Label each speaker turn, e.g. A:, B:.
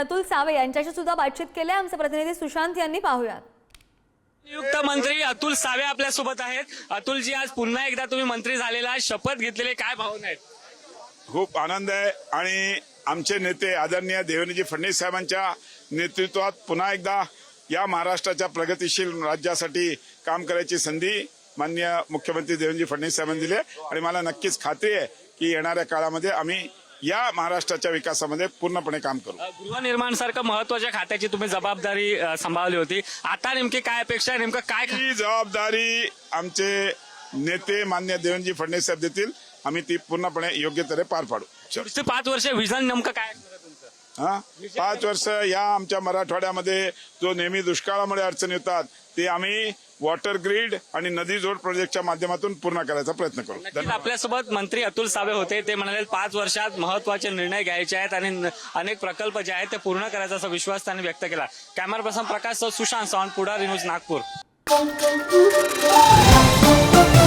A: Atul save यांच्याशी सुद्धा बातचीत केली आहे आमचे प्रतिनिधी सुशांत यांनी. पाहूयात.
B: नियुक्त मंत्री अतुल सावे आपल्या सोबत आहेत. अतुलजी, आज पुन्हा एकदा तुम्ही मंत्री झालेला, शपथ घेतलेले, काय भावना आहेत?
C: खूप आनंद आहे आणि आमचे नेते आदरणीय देवेंद्रजी फडणवीस साहेबांच्या नेतृत्वात पुन्हा एकदा या महाराष्ट्राच्या प्रगतिशील राज्यासाठी काम करायची संधी माननीय मुख्यमंत्री देवेंद्रजी फडणवीस साहेबांनी दिली आणि मला नक्कीच खात्री आहे की येणाऱ्या काळामध्ये आम्ही या महाराष्ट्राच्या विकासामध्ये पूर्णपणे काम करू.
B: गृहनिर्माण सारखं महत्वाच्या खात्याची तुम्ही जबाबदारी सांभाळली होती. आता नेमकी काय अपेक्षा आहे, नेमकं काय?
C: ही जबाबदारी आमचे नेते माननीय देवेंद्रजी फडणवीस साहेब देतील. आम्ही ती पूर्णपणे योग्य तऱ्हे पार पाडू.
B: पुढचे 5 वर्ष विजन नेमकं काय असणार तुमचं?
C: 5 वर्ष या आमच्या मराठवाड्यामध्ये जो नेहमी दुष्काळामुळे अडचणी येतात ते आम्ही वॉटर ग्रीड आणि नदी जोड प्रोजेक्टच्या माध्यमातून पूर्ण करायचा प्रयत्न करू.
B: नक्कीच आपल्यासोबत मंत्री अतुल सावे होते. ते म्हणाले 5 वर्षात महत्वाचे निर्णय घ्यायचे आहेत आणि अनेक प्रकल्प जे आहेत ते पूर्ण करायचा असा विश्वास त्यांनी व्यक्त केला. Camera person Prakash Sushant Sawant, Pudhari news, Nagpur.